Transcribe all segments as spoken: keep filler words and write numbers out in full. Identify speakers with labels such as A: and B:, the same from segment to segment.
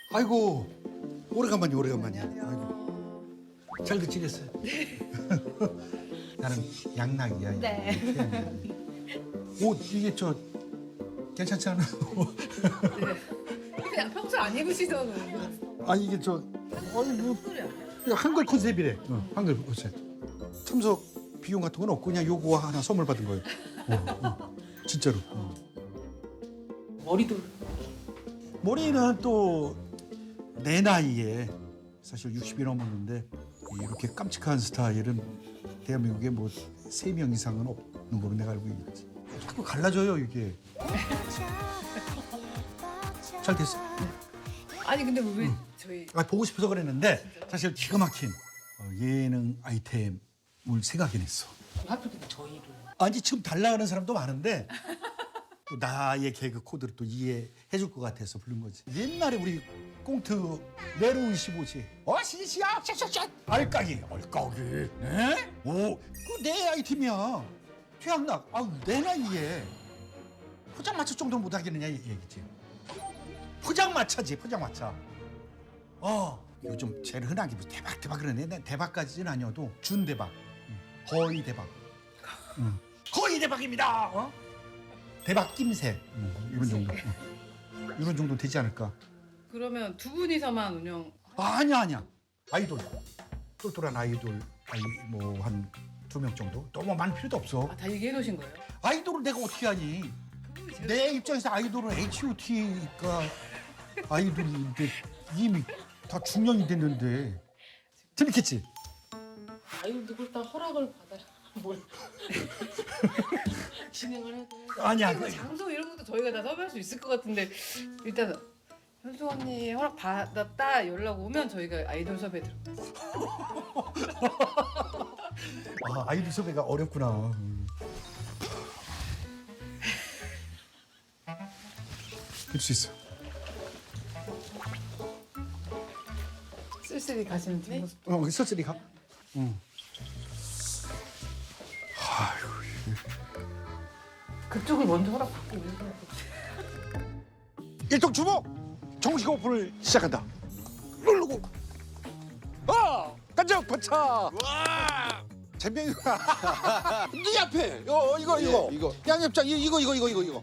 A: 아이고 오래간만이 오래간만이야. 아이고 잘들 지냈어요? 나는 양락이야.
B: 네.
A: 옷 이게 저 괜찮지 않아?
B: 그냥 평소 안 입으시던 옷.
A: 아니 이게 저 아니 뭐 이거 한글 컨셉이래. 어, 한글 컨셉. 참석 비용 같은 건 없고 그냥 요거 하나 선물 받은 거예요. 어, 어. 진짜로. 어.
B: 머리도
A: 머리는 또 내 나이에 사실 육십이 넘었는데 이렇게 깜찍한 스타일은 대한민국에 뭐 세 명 이상은 없는 걸로 내가 알고 있지. 자꾸 갈라져요 이게. 잘 됐어.
B: 아니 근데 왜 저희
A: 아, 보고 싶어서 그랬는데 사실 기가 막힌 어, 예능 아이템을 생각해냈어.
B: 하필 근데 저희를
A: 아니 지금 달라하는 사람도 많은데 또 나의 개그 코드를 또 이해해줄 것 같아서 부른 거지. 옛날에 우리 꽁트 내로운 십오지. 어 시시야 샥샥샥 알까기 알까기. 네? 오그 내 아이템이야. 최양락 아우 내 나이에 포장마차 정도는 못 하겠느냐 이 얘기지. 포장마차지 포장마차. 어 요즘 제일 흔하게 뭐 대박 대박 그러네. 난 대박까지는 아니어도 준 대박. 응. 거의 대박. 응. 거의 대박입니다. 어? 대박 낌새. 응. 이런 정도. 응. 이런 정도 되지 않을까?
B: 그러면 두 분이서만 운영
A: 아, 아니야 아니야. 아이돌 똘똘한 아이돌 아이 뭐 한 두 명 정도. 너무 많을 필요도 없어.
B: 아, 다 얘기해 놓으신 거예요?
A: 아이돌을 내가 어떻게 하니?
B: 그분이 제일
A: 내 입장에서 아이돌은 에이치 오 티가 아이돌인데 이미 다 중년이 됐는데 재밌겠지?
B: 아이돌도 그렇다 허락을 받아야 뭘 진행을 해도
A: 아니야.
B: 뭐 장소 이런 것도 저희가 다 섭외할 수 있을 것 같은데 일단 현수 언니 허락 받았다 연락 오면 저희가 아이돌 섭외 들어가요.
A: 아, 아이돌 섭외가 어렵구나. 음. 할 수 있어.
B: 쓸쓸히 가시는 뒷모습도
A: 어, 서슬이 가. 응.
B: 그쪽을 먼저 허락 받고 오는
A: 일동 주목 정식 오픈을 시작한다. 누르고. 아, 간장 반차.
C: 와!
A: 잼병이가 네 앞에. 어, 이거 이거.
C: 예, 이거.
A: 양념장 이- 이거 이거 이거 이거 이거.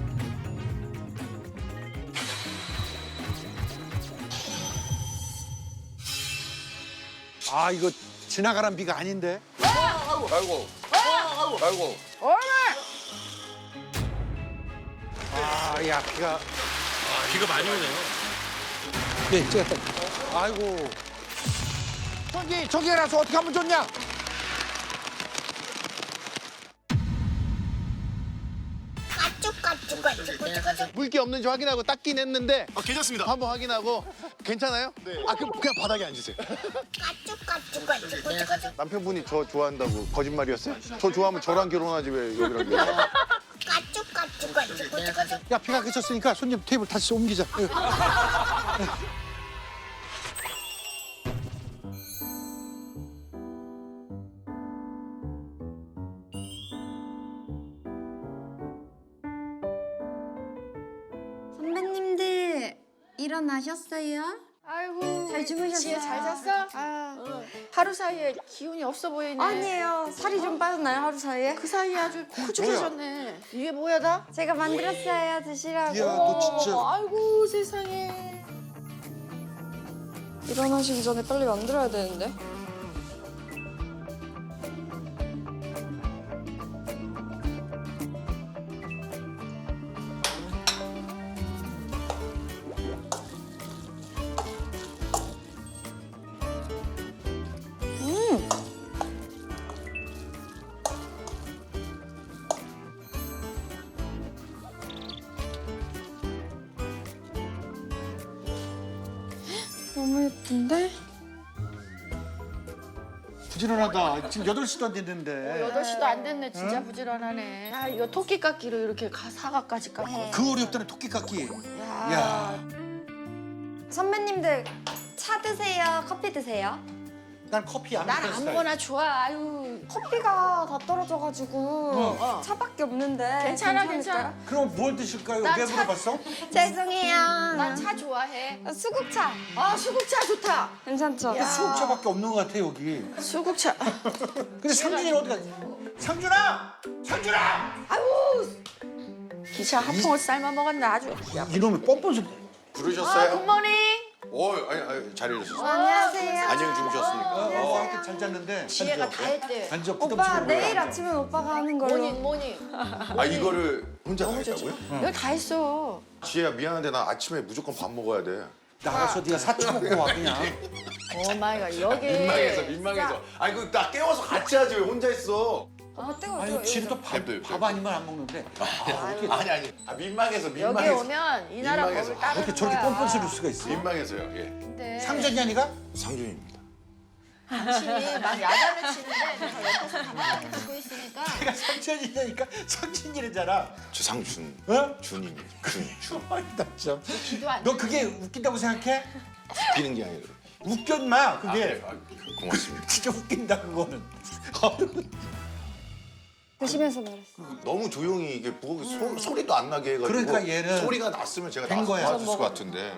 A: 아, 이거 지나가란 비가 아닌데.
C: 아이고, 아이고, 아이고, 아이고.
A: 아, 야, 비가.
C: 아, 비가 많이 오네요.
A: 네, 찍었다. 아이고. 저기 저기 해놔서 어떻게 하면 좋냐?
D: 물기 없는지 확인하고 닦긴 했는데
C: 아, 괜찮습니다.
D: 한번 확인하고 괜찮아요?
C: 네.
D: 아 그럼 그냥 바닥에 앉으세요. 남편분이 저 좋아한다고 거짓말이었어요? 저 좋아하면 저랑 결혼하지 왜 여기랑 결혼?
A: 야, 비가 그쳤으니까 손님 테이블 다시 옮기자.
E: 선배님들 일어나셨어요?
F: 아이고
E: 잘 주무셨어요?
F: 지혜 잘 잤어? 아, 하루 사이에 기운이 없어 보이네.
E: 아니에요. 살이 좀 빠졌나요 하루 사이에?
F: 그 사이에 아주 푸죽해졌네. 이게 뭐야 다?
E: 제가 만들었어요. 드시라고.
A: 야, 너 진짜.
F: 어, 아이고 세상에.
E: 일어나시기 전에 빨리 만들어야 되는데. 너무 예쁜데?
A: 부지런하다. 지금 여덟 시도 안 됐는데.
F: 여덟 시도 안 됐네. 진짜 부지런하네. 아 이거 토끼 깎기로 이렇게 가, 사과까지 깎고.
A: 그 어렵다는 토끼 깎기.
F: 야.
A: 야,
E: 선배님들 차 드세요? 커피 드세요?
A: 난 커피 안
F: 난
A: 마시는 스타일.
F: 아무거나 좋아. 아유.
E: 커피가 다 떨어져가지고 차밖에 없는데
F: 괜찮아,
E: 괜찮을까요?
A: 그럼 뭘 드실까요?
F: 난
A: 왜
F: 차-
A: 물어봤어?
E: 죄송해요.
F: 난 차 좋아해.
E: 수국차
F: 아 수국차 좋다.
E: 괜찮죠?
F: 야.
A: 수국차밖에 없는 것 같아 여기.
F: 수국차.
A: 근데 상준이는 어디 갔지? 상준아! 상준아!
F: 아유 기차 한 통을 삶아 먹었나 아주.
A: 이놈의 뻔뻔스.
F: 아
D: 부르셨어요?
F: 굿모닝.
D: 오, 아니, 아니 잘 일어섰어요.
E: 안녕하세요.
D: 안녕히 주무셨습니까?
A: 어, 하여튼 잘 잤는데.
F: 지혜가 다 했대.
A: 앉아
E: 오빠
A: 부담스러워.
E: 내일 아침엔 오빠가 하는 걸로.
F: 모닝 모닝.
D: 아 이거를 혼자 다 했다고요?
F: 이거 다 했어.
D: 지혜야 미안한데 나 아침에 무조건 밥 먹어야 돼.
A: 나가서 네가 사쳐 먹고 와 그냥.
F: 오 마이 갓 여기.
D: 민망해서 민망해서. 아니 그 나 깨워서 같이 하지 왜 혼자 있어?
E: 아 뜨거워.
A: 아니
E: 뜨거워.
A: 지금 또밥
D: 냅둬요,
A: 밥 아니면 안 먹는데.
D: 아니 아니. 아 민망해서
F: 여기
D: 민망해서.
F: 오면 이 나라
D: 민망해서.
F: 법을 따르는
A: 어떻게 저렇게
F: 거야.
A: 뻔뻔스러울 수가 있어?
D: 민망해서요. 예.
F: 근데
A: 상준이 아니가?
D: 상준입니다.
F: 당신이 막 야단을 치는데 내가 옆에서 가만히 듣고 있으니까
A: 내가 상준이니까 상준이래잖아.
D: 저 상준.
A: 어?
D: 준입니다. 준. 준.
A: 아니다 참.
F: 기도 안
A: 너 그게 웃긴다고 생각해?
D: 웃기는 게 아니라.
A: 웃겨 인마 그게.
D: 아, 고맙습니다.
A: 진짜 웃긴다 그거는.
E: 드시면서 말했어.
D: 너무 조용히 이게 부엌에 소, 소리도 안 나게 해가지고
A: 그러니까 얘는
D: 소리가 났으면 제가
A: 된
D: 나서
A: 거야.
D: 도와줬을 것 같은데.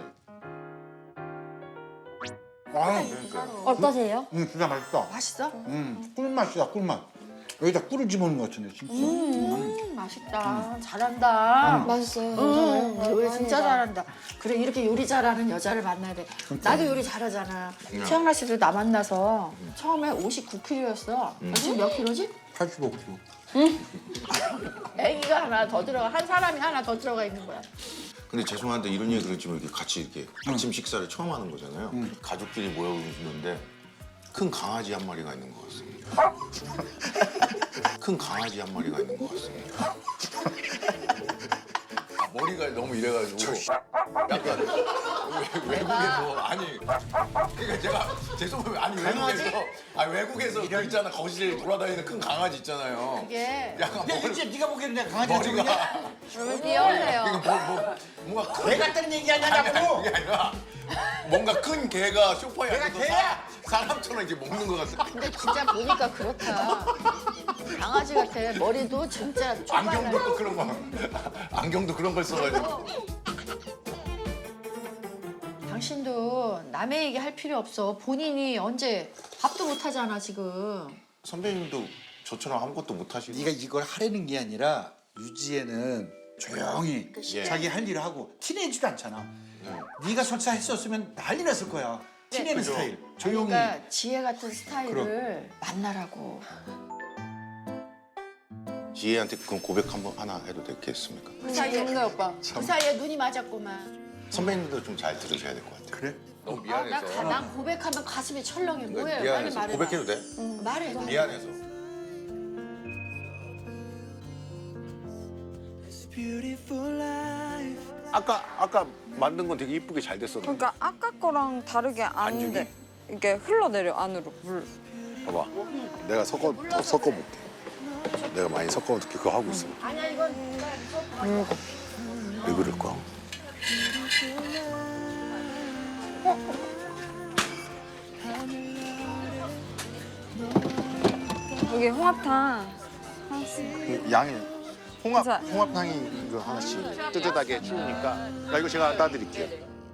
A: 아,
D: 그러니까.
E: 어떠세요?
A: 음 진짜 맛있다.
F: 맛있어?
A: 음 꿀맛이다 꿀맛. 여기다 꿀을 집어넣은 것 같은데 진짜.
F: 음, 맛있다. 잘한다.
E: 맛있어요.
F: 응,
E: 괜찮아요.
F: 요리 진짜
E: 다행이다.
F: 잘한다. 그래 이렇게 요리 잘하는 여자를 만나야 돼. 나도 요리 잘하잖아. 최영라 씨도 나 만나서 처음에 오십구 킬로였어. 지금 몇 킬로지?
A: 팔십오 킬로.
F: 애기가 하나 더 들어가 한 사람이 하나 더 들어가 있는 거야.
D: 근데 죄송한데 이런 얘기 그렇지만 이렇게 같이 이렇게 아침 식사를 처음 하는 거잖아요. 가족끼리 모여 있는데 큰 강아지 한 마리가 있는 것 같습니다. 큰 강아지 한 마리가 있는 것 같습니다. 아, 머리가 너무 이래가지고 약간 외, 외국에서 아니 그러니까 제가 죄송해요 아니 외국에서 아니 외국에서 그 있잖아 거실에 돌아다니는 큰 강아지 있잖아요.
F: 이게
D: 약간
A: 야
D: 머리,
A: 이제 네가 보기에는 내가 강아지가 저기냐?
D: 머리가
F: 그러면 귀여워요.
D: 뭐, 뭐, 뭔가 큰
A: 개 같다는 얘기
D: 아니,
A: 아니냐고.
D: 아니, 그게 아니라 뭔가 큰 개가 소파에
A: 내가
D: 앉아서
A: 개야?
D: 사, 사람처럼 이렇게 먹는 것 같아.
F: 근데 진짜 보니까 그렇다. 강아지 같아. 머리도 진짜
D: 안경도
F: 좁아요.
D: 또 그런 거. 안경도 그런 걸 써가지고.
F: 당신도 남의 얘기 할 필요 없어. 본인이 언제 밥도 못 하잖아 지금.
D: 선배님도 저처럼 아무것도 못 하시고.
A: 네가 이걸 하려는 게 아니라 유지혜는 조용히
D: 예.
A: 자기 할 일을 하고 티내지도 않잖아. 네가 설사했었으면 난리 났을 거야. 티내는
D: 그죠.
A: 스타일. 조용히.
F: 그러니까 지혜 같은 스타일을 만나라고.
D: 지혜한테 그럼 고백 한번 하나 해도 되겠습니까?
F: 그 사이에
E: 좋네 오빠.
F: 그 사이에 눈이 맞았구만.
D: 선배님도 좀 잘 들으셔야 될 것 같아요.
A: 그래?
D: 너무
F: 아, 나, 가- 난 고백하면 가슴이 철렁해. 뭐예요? 빨리
D: 미안해서
F: 말해.
D: 고백해도 돼?
F: 말해.
D: 미안해서. 아까 아까 만든 건 되게 이쁘게 잘 됐었는데.
E: 그러니까 아까 거랑 다르게 안 돼. 이게 흘러내려 안으로 물.
D: 봐봐. 내가 섞어 더 섞어볼게. 내가 많이 섞어볼게. 그거 하고 있어.
F: 아니야 이건
D: 왜 그럴까?
E: 여기 홍합탕.
D: 그 양이 홍합
E: 자.
D: 홍합탕이 이거 하나씩 뜨뜻하게 추우니까 나 이거 제가 따드릴게요.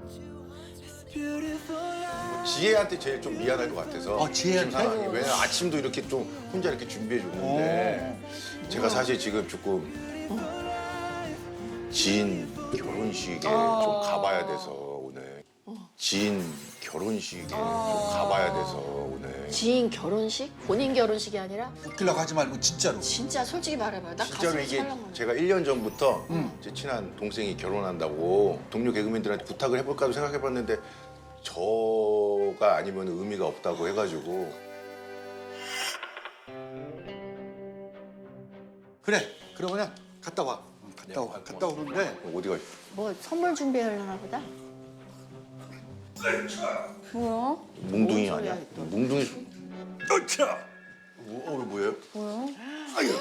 D: 지혜한테 제일 좀 미안할 것 같아서.
A: 어, 지혜한테?
D: 지금 상황이. 왜냐면 아침도 이렇게 좀 혼자 이렇게 준비해 줬는데 제가 사실 지금 조금 지인 결혼식에 좀 가봐야 돼서 오늘 지인 결혼식에 좀 가봐야 돼서 오늘.
F: 지인 결혼식? 본인 결혼식이 아니라
A: 웃기려고 하지 말고 진짜로.
F: 진짜 솔직히 말해봐요. 나
D: 진짜로
F: 가슴이
D: 이게
F: 철렁해.
D: 제가 일 년 전부터 제 친한 동생이 결혼한다고 동료 개그맨들한테 부탁을 해볼까도 생각해봤는데 저가 아니면 의미가 없다고 해가지고.
A: 그래. 그러면 갔다 와. 응, 갔다 와. 갔다 오는데
D: 어디가
F: 뭐 선물 준비하려나 보다.
E: 뭐야?
D: 몽둥이
F: 뭔
D: 아니야?
F: 소리야, 또.
D: 몽둥이.
A: 어차.
D: 뭐, 어, 뭐예요?
E: 뭐야?
A: 아유.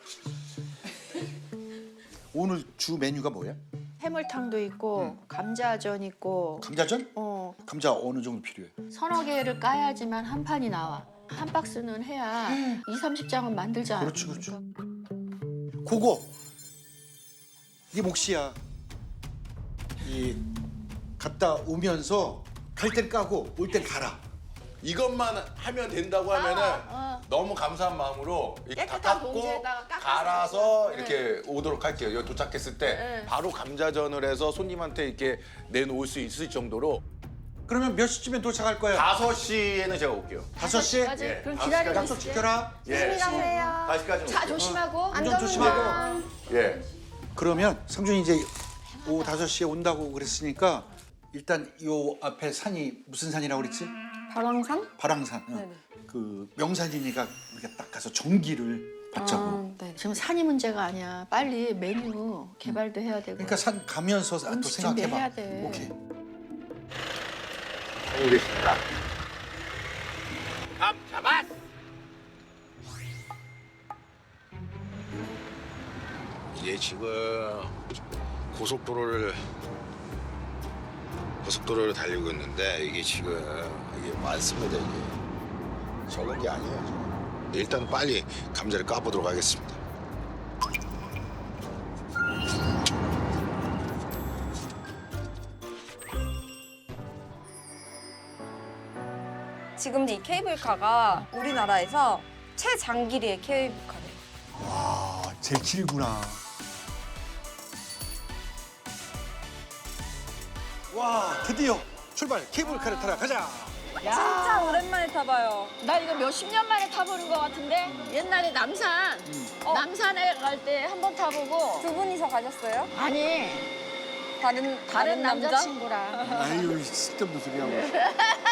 A: 오늘 주 메뉴가 뭐야?
F: 해물탕도 있고 감자전 있고
A: 감자전?
F: 어
A: 감자 어느 정도 필요해?
F: 서너 개를 까야지만 한 판이 나와. 한 박스는 해야 이, 삼십 장은 만들자.
A: 그렇지, 그렇지. 그거 이 몫이야. 이 갔다 오면서 갈 땐 까고 올 땐 갈아.
D: 이것만 하면 된다고 하면은
F: 어.
D: 너무 감사한 마음으로 이렇게 다
F: 깨끗한
D: 깎고
F: 봉지에다가 깎아서
D: 갈아서
F: 네.
D: 이렇게 오도록 할게요. 여기 도착했을 때
F: 네.
D: 바로 감자전을 해서 손님한테 이렇게 내놓을 수 있을 정도로
A: 그러면 몇 시쯤에 도착할 거야?
D: 다섯 시에는 제가 올게요.
A: 다섯 시?
F: 맞아.
D: 예,
F: 그럼
D: 다섯
F: 기다리고
A: 약속
F: 있을게.
A: 지켜라.
D: 예.
E: 가세요.
D: 다섯 시까지
F: 자,
D: 올게요.
F: 조심하고.
A: 운전 조심하고.
D: 예.
A: 그러면 상준이 이제 오후 다섯 시에 온다고 그랬으니까 일단 요 앞에 산이 무슨 산이라고 그랬지?
E: 바랑산?
A: 바랑산. 어.
E: 네네.
A: 그 명산이니까 우리가 딱 가서 전기를 받자고.
E: 아, 네.
F: 지금 산이 문제가 아니야. 빨리 메뉴 개발도 해야 되고.
A: 그러니까 산 가면서 또
F: 음식
A: 생각해봐.
F: 준비해야 돼.
A: 오케이.
D: 알겠습니다.
C: 감 잡았.
G: 이게 지금 고속도로를 고속도로를 달리고 있는데 이게 지금 이게 많습니다. 이게 적은 게 아니에요. 지금. 일단 빨리 감자를 까보도록 하겠습니다.
E: 지금 이 케이블카가 우리나라에서 최장길이의 케이블카래요.
A: 와, 제일 길구나. 와, 드디어 출발. 케이블카를 타러 가자.
E: 진짜 오랜만에 타봐요.
F: 나 이거 몇십 년 만에 타보는 것 같은데 옛날에 남산
E: 어.
F: 남산에 갈 때 한 번 타보고
E: 두 분이서 가셨어요?
F: 아니
E: 다른
F: 다른
E: 남자?
F: 남자친구랑
A: 아유, 쓸데없는 소리 하고.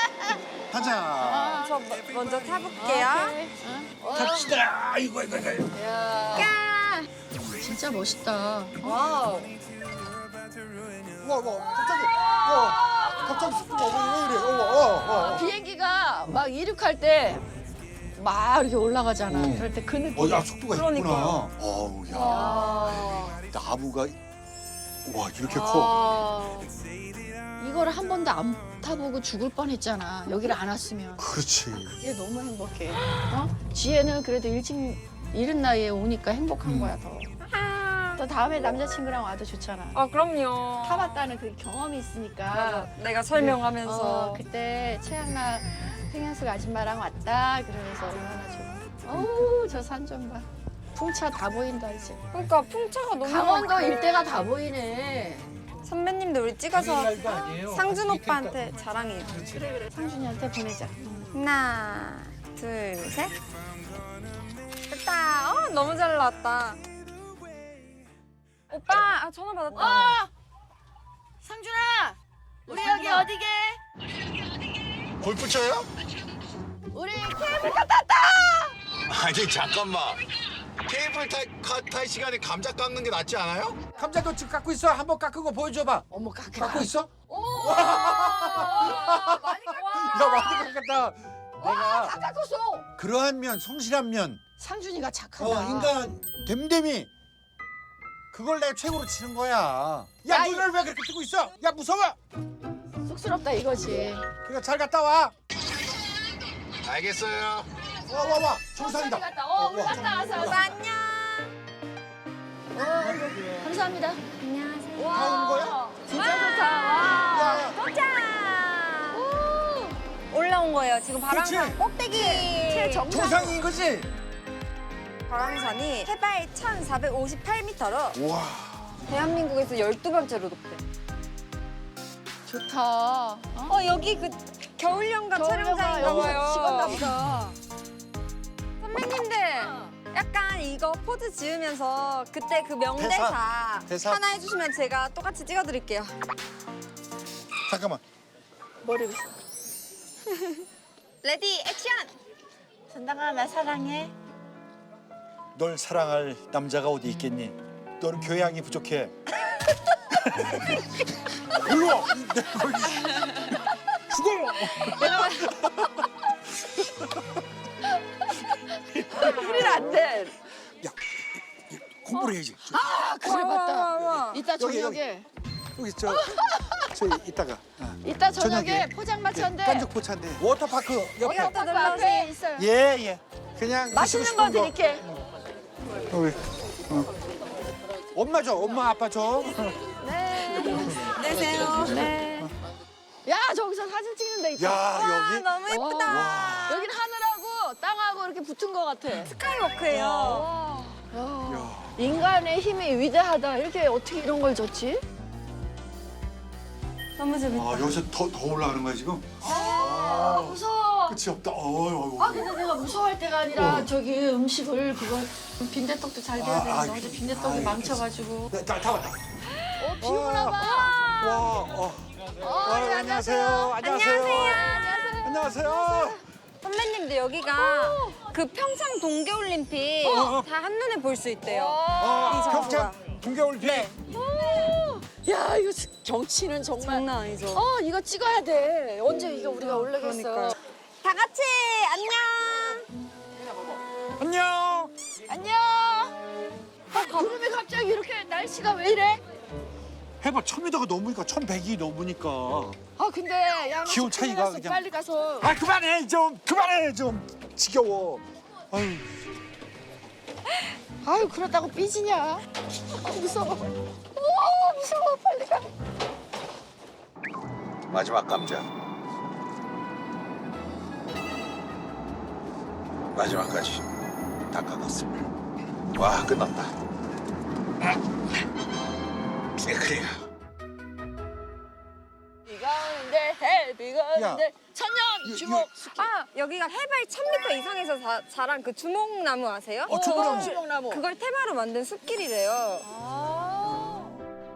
A: 가자.
E: 저 뭐- 먼저 타볼게요.
F: 오케이. 어?
A: 갑시다. 아이고, 아이고, 아이고.
F: 야,
E: 까!
F: 진짜 멋있다.
E: 와우.
A: 와, 와, 갑자기. 와, 갑자기 쑥 와. 왜 이래? 어, 어, 어.
F: 비행기가 막 이륙할 때 막 이렇게 올라가잖아.
A: 응.
F: 그럴 때 그 느낌.
A: 어, 야, 속도가 있구나.
E: 그러니까요.
A: 어우, 야.
F: 아,
A: 나무가 와, 이렇게 커.
F: 아. 이거를 한 번도 안 타보고 죽을 뻔했잖아. 여기를 안 왔으면.
A: 그렇지.
F: 이게 너무 행복해. 어? 지혜는 그래도 일찍 이른 나이에 오니까 행복한
A: 음.
F: 거야 더. 또 다음에 남자친구랑 와도 좋잖아.
E: 아, 그럼요.
F: 타봤다는 그 경험이 있으니까.
E: 맞아. 내가 설명하면서.
F: 어, 그때 최양락 생현숙 아줌마랑 왔다 그러면서 얼마나 좋아. 어우 저 산 좀 봐. 풍차 다 보인다 이제.
E: 그러니까 풍차가 너무
F: 강원도
E: 많고.
F: 일대가 다 보이네.
E: 선배님도 우리 찍어서
A: 날도 아니에요.
E: 상준 오빠한테 자랑해요.
F: 그래 그래 상준이한테 보내자.
E: 하나, 둘, 셋. 됐다. 어, 너무 잘 나왔다. 오빠, 아, 전화 받았다.
F: 어! 상준아! 우리 여기 어디게?
G: 골프 쳐요?
F: 우리 케이블카 탔다!
G: 아니 잠깐만. 케이블 탈, 카, 탈 시간에 감자 깎는 게 낫지 않아요?
A: 감자도 지금 깎고 있어. 한번 깎은 거 보여줘봐.
F: 어머 깎아.
A: 깎고 있어?
F: 오!
E: 많이
A: 야, 많이 깎았다. 내가
F: 다 깎았어!
A: 그러한 면, 성실한 면,
F: 상준이가 착하다.
A: 어, 인간 됨됨이 그걸 내가 최고로 치는 거야. 야,
F: 야, 이-
A: 눈을 왜 그렇게 뜨고 있어? 야, 무서워.
F: 쑥스럽다 이거지.
A: 그러니까 잘 갔다 와.
G: 알겠어요.
A: 와, 와, 와. 정상이다.
F: 갔다. 어, 우리
A: 와.
F: 갔다 와서.
E: 오빠, 안녕.
F: 어, 감사합니다.
E: 안녕하세요.
A: 다 온 거야?
E: 진짜 좋다. 와.
A: 야,
E: 도착. 올라온 거예요. 지금 바람산
A: 그치?
E: 꼭대기. 최정
A: 정상인 거지?
E: 바람산이 해발 천사백오십팔 미터로
A: 와.
E: 대한민국에서 열두 번째로 높대.
F: 좋다. 어?
E: 어, 여기 그 겨울연가
F: 겨울연가
E: 촬영장인가
F: 여기
E: 봐요.
F: 찍었나 보다.
E: 선배님들 약간 이거 포즈 지으면서 그때 그 명대사
A: 대사. 대사.
E: 하나 해주시면 제가 똑같이 찍어드릴게요.
A: 잠깐만.
F: 머리 빗어.
E: 레디 액션!
F: 전당아 나 사랑해.
A: 널 사랑할 남자가 어디 있겠니? 너는 교양이 부족해. 일로 와. 내가 거기 죽어.
F: 우리는 안 돼.
A: 야, 공부를 해야지.
F: 아 그래
E: 와, 와,
F: 맞다.
E: 와.
F: 이따
A: 여기,
F: 저녁에
A: 여기 저 저 이따가. 어.
F: 이따 저녁에,
A: 저녁에.
F: 포장마차인데
A: 예, 깐족 포차인데 워터파크 옆에.
F: 워터파크 앞에 있어요.
A: 예 예. 그냥
F: 맛있는
A: 드시고
F: 거
A: 싶은 거.
F: 드릴게.
A: 어, 어. 엄마 줘, 엄마 아빠 줘.
E: 안녕하세요.
F: 네. 야 저기서 사진 찍는데 있다.
A: 야 여기.
E: 너무 예쁘다.
F: 여기는 하늘하고 땅하고 이렇게 붙은 것 같아.
E: 스카이워크예요.
F: 인간의 힘이 위대하다. 이렇게 어떻게 이런 걸 줬지?
E: 너무 재밌다.
A: 아 여기서 더 더 올라가는 거야 지금?
F: 아, 무서워.
A: 끝이 없다. 어유
F: 아 근데 내가 무서워할 때가 아니라
A: 어.
F: 저기 음식을 그거 빈대떡도 잘 돼야
A: 아,
F: 되는데
A: 아,
F: 어제 빈대떡이
A: 아,
F: 망쳐가지고.
A: 네, 다, 다 왔다.
F: 어, 비 오나 봐.
A: 와, 어.
F: 어,
A: 아,
F: 네,
A: 안녕하세요. 안녕하세요. 안녕하세요.
E: 선배님들 여기가 그 평창 동계올림픽
A: 어, 어.
E: 다 한눈에 볼 수 있대요.
A: 아,
E: 이 장소가.
A: 평창 동계올림픽.
F: 야 이거 지- 경치는 정말.
E: 장난 아니죠.
F: 어 이거 찍어야 돼. 언제 이거 우리가 올라겠어.
E: 그러니까요. 다 같이 안녕.
A: 안녕.
F: 안녕. 어, 구름이 갑자기 이렇게 날씨가 왜 이래?
A: 해봐 천미터가 넘으니까 천백이 넘으니까.
F: 아 근데 야
A: 기온 차이가
F: 그냥
A: 그냥-
F: 빨리 가서.
A: 아 그만해 좀 그만해 좀 지겨워. 아유.
F: 아유 그러다고 삐지냐? 아, 무서워. 오 무서워 빨리 가.
G: 마지막 감자. 마지막까지 다 깎았습니다. 와 끝났다. 그래.
F: 비가 오는데 해 비가 오는데 천년 주목.
E: 아 여기가 해발 천 미터 이상에서 자, 자란 그 주목나무 아세요?
A: 어, 주목나무.
F: 주목나무.
E: 그걸 테마로 만든 숲길이래요.
F: 아.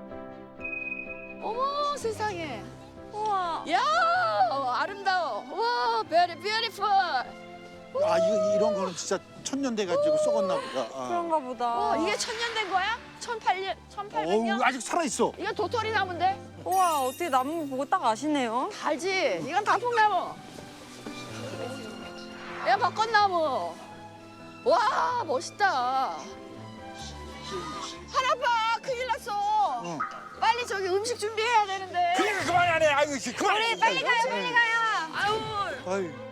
F: 어머 세상에.
E: 우와.
F: 야 아름다워. 와 very beautiful.
A: 아 이거 이런 거는 진짜 천년 돼 가지고 썩었나 보다. 아.
E: 그런가 보다.
F: 어 이게 천년 된 거야? 천팔 년, 천팔백
A: 어우
F: 년?
A: 아직 살아 있어.
F: 이거 도토리 나무인데?
E: 우와 어떻게 나무 보고 딱 아시네요?
F: 알지? 이건 단풍나무. 야 벚꽃나무. 와 멋있다. 하나봐 큰일 났어.
A: 응.
F: 빨리 저기 음식 준비해야 되는데.
A: 그러니까 그만하네. 아유 그만.
E: 우리 빨리 가요 빨리 가요.
F: 아유.
A: 아유.